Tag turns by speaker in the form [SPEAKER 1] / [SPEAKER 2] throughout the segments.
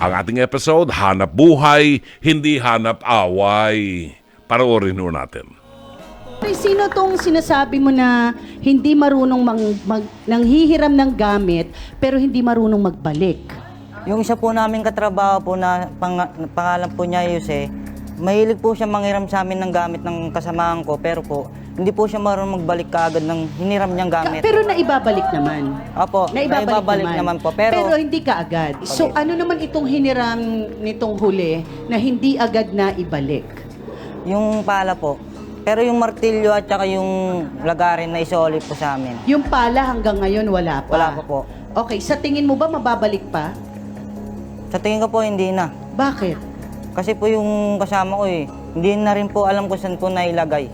[SPEAKER 1] Ang ating episode, Hanap Buhay, Hindi Hanap Away. Panoorin ho natin.
[SPEAKER 2] Sino tong sinasabi mo na hindi marunong nanghihiram ng gamit pero hindi marunong magbalik?
[SPEAKER 3] Yung isa po namin katrabaho po na pangalan po niya Jose, mahilig po siya manghiram sa amin ng gamit ng kasamahan ko, pero po hindi po siya marunong magbalik kaagad ng hiniram niyang gamit.
[SPEAKER 2] Pero naibabalik naman.
[SPEAKER 3] Opo, naibabalik naman po. Pero
[SPEAKER 2] hindi ka agad. So ano naman itong hiniram nitong huli na hindi agad na ibalik?
[SPEAKER 3] yung pala po. Pero yung martilyo at saka yung lagarin na isoli po sa amin.
[SPEAKER 2] Yung pala hanggang ngayon wala pa?
[SPEAKER 3] Wala pa po.
[SPEAKER 2] Okay, sa tingin mo ba mababalik pa?
[SPEAKER 3] Sa tingin ko po hindi na.
[SPEAKER 2] Bakit?
[SPEAKER 3] Kasi po yung kasama ko hindi na rin po alam kung saan po nailagay.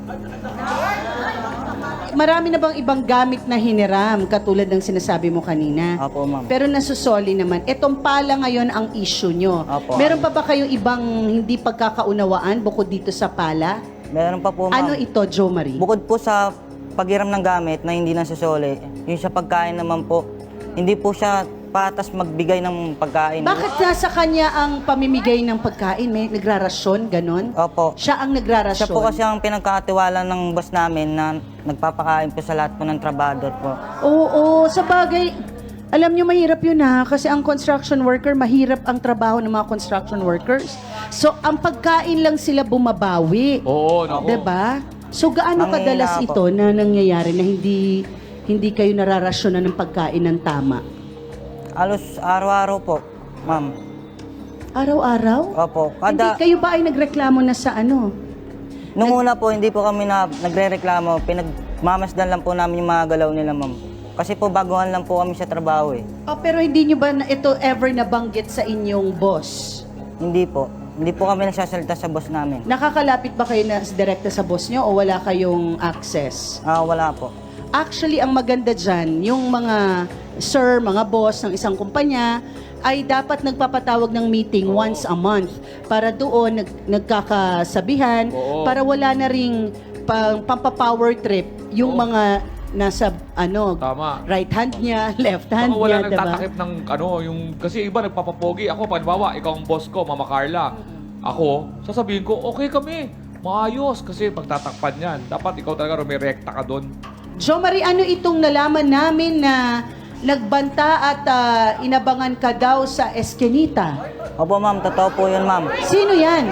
[SPEAKER 2] Marami na bang ibang gamit na hiniram katulad ng sinasabi mo kanina?
[SPEAKER 3] Opo, ma'am.
[SPEAKER 2] Pero nasusoli naman. Etong pala ngayon ang issue nyo.
[SPEAKER 3] Opo.
[SPEAKER 2] Meron pa ba kayong ibang hindi pagkakaunawaan bukod dito sa pala?
[SPEAKER 3] Meron pa po, ma'am.
[SPEAKER 2] Ano ito, Jo Marie?
[SPEAKER 3] Bukod po sa paghiram ng gamit na hindi nasusoli, yung sa pagkain naman po, hindi po siya patas magbigay ng pagkain.
[SPEAKER 2] Bakit nasa kanya ang pamimigay ng pagkain? May nagrarasyon, ganon?
[SPEAKER 3] Opo.
[SPEAKER 2] Siya ang nagrarasyon?
[SPEAKER 3] Siya po kasi ang pinagkakatiwala ng boss namin na nagpapakain po sa lahat po ng trabador po.
[SPEAKER 2] Oo, sa bagay, alam nyo mahirap yun ha, kasi ang construction worker, mahirap ang trabaho ng mga construction workers. So, ang pagkain lang sila bumabawi.
[SPEAKER 4] Oo, naku.
[SPEAKER 2] Diba? So, gaano
[SPEAKER 3] Manghina
[SPEAKER 2] kadalas
[SPEAKER 3] po.
[SPEAKER 2] ito na nangyayari na hindi kayo nararasyonan ng pagkain ng tama?
[SPEAKER 3] Alos araw-araw po, ma'am.
[SPEAKER 2] Araw-araw?
[SPEAKER 3] Opo.
[SPEAKER 2] Hindi, kayo ba ay nagreklamo na sa ano?
[SPEAKER 3] Nung una po, hindi po kami nagre-reklamo. Pinagmamasdan lang po namin yung mga galaw nila, ma'am. Kasi po, baguhan lang po kami sa trabaho
[SPEAKER 2] Oh, pero hindi nyo ba ito ever nabanggit sa inyong boss?
[SPEAKER 3] Hindi po. Hindi po kami nagsasalita sa boss namin.
[SPEAKER 2] Nakakalapit ba kayo na direkta sa boss nyo o wala kayong access?
[SPEAKER 3] Wala po.
[SPEAKER 2] Actually, ang maganda dyan, yung mga sir, mga boss ng isang kumpanya, ay dapat nagpapatawag ng meeting once a month para doon nagkakasabihan, para wala na ring pampapower trip yung mga nasa
[SPEAKER 4] Tama.
[SPEAKER 2] right hand niya, left hand
[SPEAKER 4] Baka wala
[SPEAKER 2] niya,
[SPEAKER 4] nang
[SPEAKER 2] diba?
[SPEAKER 4] tatakip ng kasi iba nagpapapogi. Ako, panibawa, ikaw ang boss ko, Mama Carla. Ako, sasabihin ko, okay kami, maayos. Kasi pagtatakpan yan, dapat ikaw talaga rumirekta ka doon.
[SPEAKER 2] Jo Marie, ano itong nalaman namin na nagbanta at inabangan ka daw sa Eskinita?
[SPEAKER 3] Opo, ma'am. Totoo po yun, ma'am.
[SPEAKER 2] Sino yan?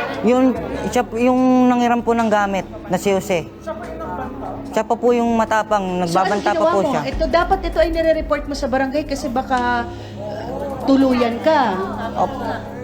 [SPEAKER 3] Yung nangiram po ng gamit na si Jose. Siya pa po yung matapang. Nagbabanta pa po siya.
[SPEAKER 2] Dapat ito ay nire-report mo sa barangay kasi baka tuluyan ka.
[SPEAKER 3] Opo.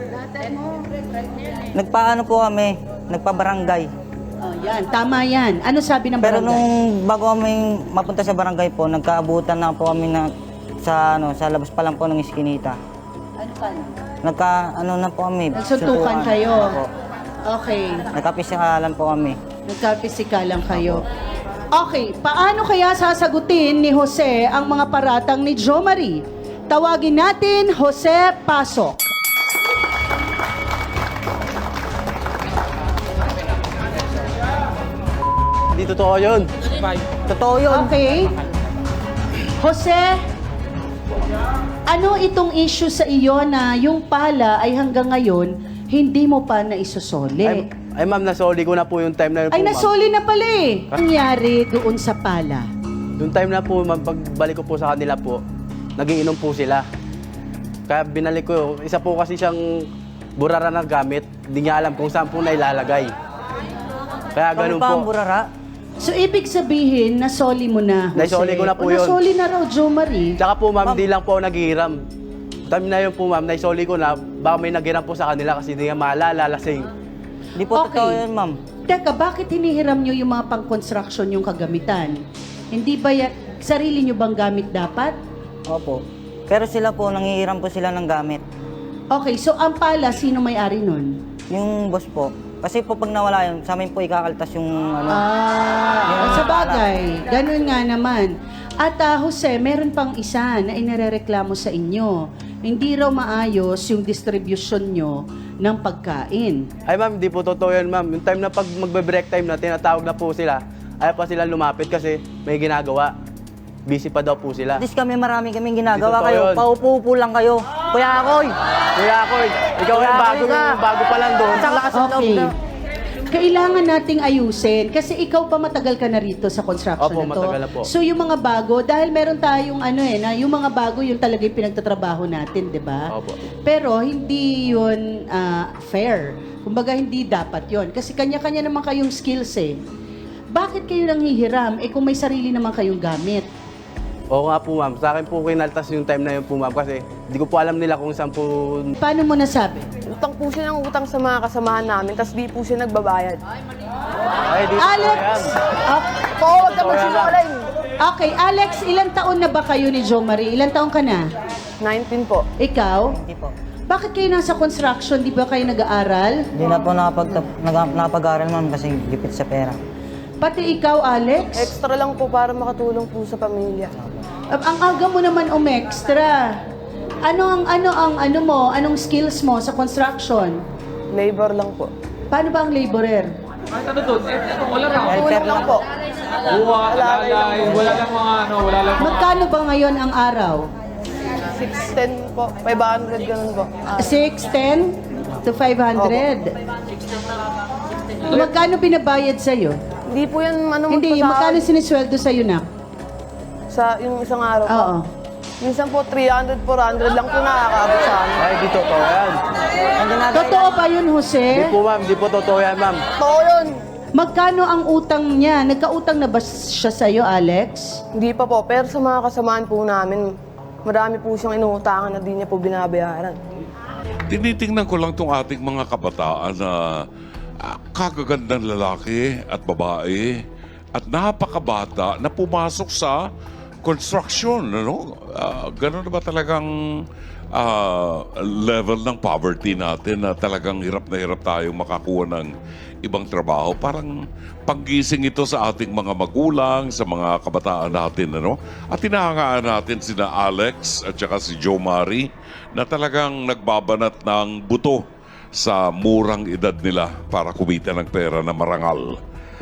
[SPEAKER 3] Nagpaano po kami, nagpabarangay.
[SPEAKER 2] Oh, yan, tama yan. Ano sabi ng
[SPEAKER 3] Pero
[SPEAKER 2] barangay?
[SPEAKER 3] nung bago kami mapunta sa barangay po, nagkaabutan na po kami sa labas pa lang po ng Eskinita.
[SPEAKER 2] Ano ka?
[SPEAKER 3] Na po kami.
[SPEAKER 2] Nagsuntukan
[SPEAKER 3] suntukan.
[SPEAKER 2] kayo?
[SPEAKER 3] Opo.
[SPEAKER 2] Okay.
[SPEAKER 3] Nagkapisikalan po kami.
[SPEAKER 2] Nagkapisikalan kayo. Okay, paano kaya sasagutin ni Jose ang mga paratang ni Jo Marie? Tawagin natin Jose Pasok.
[SPEAKER 5] Hindi totoo yun.
[SPEAKER 3] Totoo yun.
[SPEAKER 2] Okay. Jose, ano itong issue sa iyo na yung pala ay hanggang ngayon hindi mo pa naisusoli?
[SPEAKER 5] Ay ma'am, nasoli ko na po yung time na yun po,
[SPEAKER 2] Ay,
[SPEAKER 5] ma'am.
[SPEAKER 2] nasoli na pala eh. Nangyari doon sa pala.
[SPEAKER 5] Yung time na po, ma'am, pagbalik ko po sa kanila po, nagiinom po sila. Kaya binalik ko, isa po kasi siyang burara na gamit, hindi niya alam kung saan po nailalagay. Kaya ganun
[SPEAKER 3] Kami pa ang
[SPEAKER 5] po.
[SPEAKER 3] burara.
[SPEAKER 2] So, ibig sabihin, nasoli mo na, Jose.
[SPEAKER 5] Naisoli ko na po
[SPEAKER 2] O,
[SPEAKER 5] yun.
[SPEAKER 2] nasoli na raw, Jo Marie.
[SPEAKER 5] Tsaka po ma'am, di lang po ako naghihiram. Time na yun po ma'am, naisoli ko na, baka may naghiram po sa kanila kasi hindi nga maalala, lasing.
[SPEAKER 3] Di po
[SPEAKER 2] Okay.
[SPEAKER 3] totoo yun, ma'am.
[SPEAKER 2] Teka, bakit hinihiram nyo yung mga pang-construction yung kagamitan? Hindi ba sarili nyo bang gamit dapat?
[SPEAKER 3] Opo. Pero sila po, nangihiram po sila ng gamit.
[SPEAKER 2] Okay, so ang pala, sino may-ari nun?
[SPEAKER 3] Yung boss po. Kasi po pag nawala yun, sa amin po ikakaltas yung
[SPEAKER 2] Sa bagay, ganun nga naman. At Jose, meron pang isa na inarereklamo sa inyo. Hindi raw maayos yung distribution nyo ng pagkain.
[SPEAKER 5] Ay ma'am, di po totoo yan ma'am. Yung time na pag magbe-break time na, tinatawag na po sila, ayaw pa sila lumapit kasi may ginagawa. Busy pa daw po sila.
[SPEAKER 3] At least kami, marami kaming ginagawa
[SPEAKER 5] Di totoo
[SPEAKER 3] kayo.
[SPEAKER 5] yun.
[SPEAKER 3] Paupo-upo lang kayo. Kuya Akoy!
[SPEAKER 5] Kuya Akoy, ikaw yung bago pa lang doon.
[SPEAKER 2] Okay. Kailangan nating ayusin kasi ikaw pa matagal ka na rito sa construction
[SPEAKER 5] Opo,
[SPEAKER 2] na to.
[SPEAKER 5] matagal na po.
[SPEAKER 2] So yung mga bago, dahil meron tayong na yung mga bago yung talaga yung pinagtatrabaho natin, 'di ba?
[SPEAKER 5] Opo.
[SPEAKER 2] Pero hindi yun fair. Kumbaga hindi dapat yun kasi kanya-kanya naman kayong skills eh. Bakit kayo nanghihiram kung may sarili naman kayong gamit?
[SPEAKER 5] Oo nga po ma'am, sa akin po kinaltas yung time na yun po ma'am kasi hindi ko po alam nila kung saan po...
[SPEAKER 2] Paano mo nasabi?
[SPEAKER 6] Utang po siya ng utang sa mga kasamahan namin, tapos di po siya nagbabayad.
[SPEAKER 5] Ay, di
[SPEAKER 2] Alex!
[SPEAKER 6] Oo, wag ka magsinungaling.
[SPEAKER 2] Okay, Alex, ilang taon na ba kayo ni Jo Marie? Ilang taon ka na?
[SPEAKER 6] 19 po.
[SPEAKER 2] Ikaw?
[SPEAKER 3] Hindi po.
[SPEAKER 2] Bakit kayo nasa construction? Di ba kayo nag-aaral?
[SPEAKER 3] Hindi na po nakapag-aral ma'am kasi gipit sa pera.
[SPEAKER 2] Pati ikaw, Alex?
[SPEAKER 6] Extra lang po para makatulong po sa pamilya.
[SPEAKER 2] Ang aga mo naman umextra. Anong skills mo sa construction?
[SPEAKER 6] Labor lang po.
[SPEAKER 2] Paano ba ang laborer?
[SPEAKER 4] Kahit ano doon, wala lang.
[SPEAKER 6] Tulong lang po.
[SPEAKER 4] Buwa, alalay, wala lang mga wala lang mga...
[SPEAKER 2] Magkano ba ngayon ang araw?
[SPEAKER 6] 610 po. 500 ganun po.
[SPEAKER 2] 610 to 500. Magkano binabayad sa'yo?
[SPEAKER 6] Hindi po yan
[SPEAKER 2] Hindi, magkano sinisweldo sa'yo na?
[SPEAKER 6] sa yung isang araw po.
[SPEAKER 2] Oo.
[SPEAKER 6] Minsan po 300, 400 lang po nakakaabot sa amin.
[SPEAKER 5] Ay, di totoo yan.
[SPEAKER 2] Totoo ba yun,
[SPEAKER 5] Di
[SPEAKER 2] Jose?
[SPEAKER 5] po ma'am, di po totoo yan ma'am.
[SPEAKER 6] Totoo yun.
[SPEAKER 2] Magkano ang utang niya? Nagkautang na ba siya sa'yo, Alex?
[SPEAKER 6] Hindi pa po. Pero sa mga kasamaan po namin, marami po siyang inuutangan na di niya po binabayaran.
[SPEAKER 1] Tinitingnan ko lang itong ating mga kabataan na kagagandang lalaki at babae at napakabata na pumasok sa construction. Ganun na ba talagang level ng poverty natin na talagang hirap na hirap tayong makakuha ng ibang trabaho? Parang panggising ito sa ating mga magulang, sa mga kabataan natin. At tinahangaan natin sina Alex at saka si Jo Marie na talagang nagbabanat ng buto sa murang edad nila para kumita ng pera na marangal.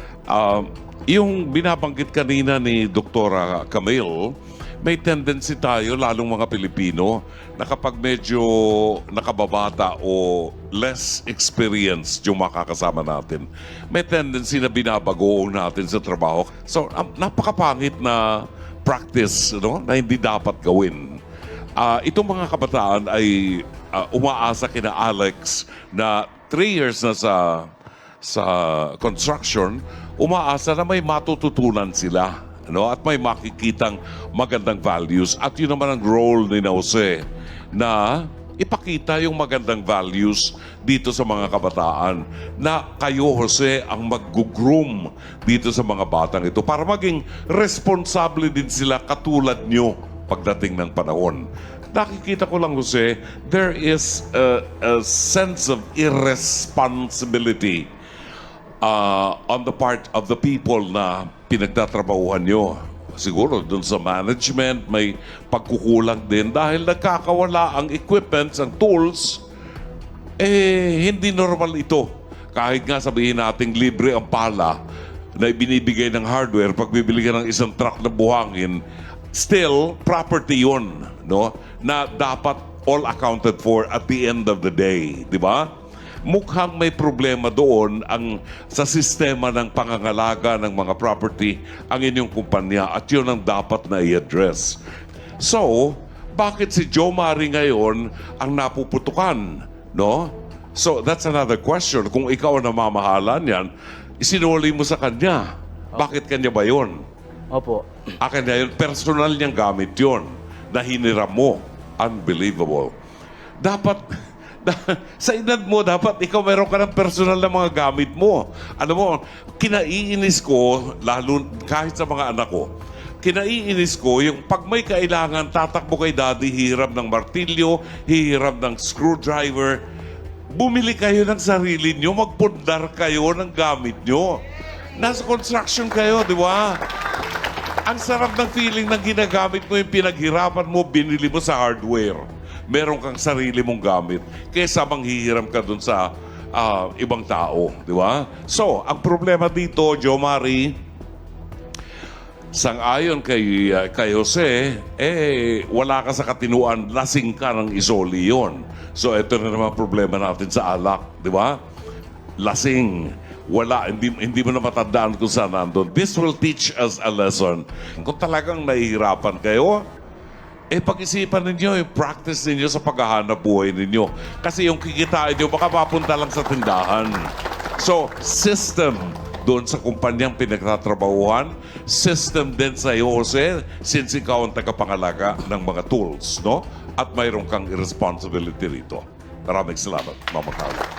[SPEAKER 1] Yung binabanggit kanina ni Dr. Camille, may tendency tayo, lalong mga Pilipino, na kapag medyo nakababata o less experience yung makakasama natin, may tendency na binabagoong natin sa trabaho. So, napakapangit na practice na hindi dapat gawin. Itong mga kabataan ay umaasa kina Alex na 3 years na sa construction, umaasa na may matututunan sila at may makikitang magandang values. At yun naman ang role ni Jose na ipakita yung magandang values dito sa mga kabataan na kayo, Jose, ang mag-groom dito sa mga batang ito para maging responsable din sila katulad nyo pagdating ng panahon. Nakikita ko lang, Jose, there is a sense of irresponsibility on the part of the people na pinagtatrabahuhan nyo. Siguro dun sa management may pagkukulang din dahil nagkakawala ang equipments, ang tools. Hindi normal ito. Kahit nga sabihin nating libre ang pala na ibinibigay ng hardware pag bibili ka ng isang truck na buhangin, still property yun, na dapat all accounted for at the end of the day, di ba? Mukhang may problema doon sa sistema ng pangangalaga ng mga property ang inyong kumpanya at yun ang dapat na i-address. So, bakit si Jo Marie ngayon ang napuputukan? So, that's another question. Kung ikaw ang namamahalan yan, isinuli mo sa kanya. Bakit kanya ba yun?
[SPEAKER 5] Opo.
[SPEAKER 1] Akin na yun, personal niyang gamit yun na hiniram mo. Unbelievable. Dapat... sa edad mo, dapat ikaw meron ka ng personal na mga gamit mo. Alam mo, kinaiinis ko, lalo kahit sa mga anak ko, kinaiinis ko yung pag may kailangan, tatakbo kay daddy, hihiram ng martilyo, hihiram ng screwdriver. Bumili kayo ng sarili nyo, magpundar kayo ng gamit nyo. Nasa construction kayo, di ba? Ang sarap ng feeling na ginagamit mo yung pinaghirapan mo, binili mo sa hardware. Meron kang sarili mong gamit kaysa manghihiram ka dun sa ibang tao, di ba? So, ang problema dito, Jo Marie, sang-ayon kay Jose, wala ka sa katinuan, lasing ka ng isoli yun. So, ito na naman problema natin sa alak, di ba? Lasing. Wala, hindi mo na matandaan kung saan nandun. This will teach us a lesson. Kung talagang nahihirapan kayo, pag-isipan ninyo, practice ninyo sa paghahanap buhay ninyo. Kasi yung kikitain nyo, baka mapunta lang sa tindahan. So, system doon sa kumpanyang pinagtatrabahuhan, system din sa iyo, Jose, since ikaw ang tagapangalaga ng mga tools, no? At mayroon kang responsibility rito. Maraming salamat, Mama Carla.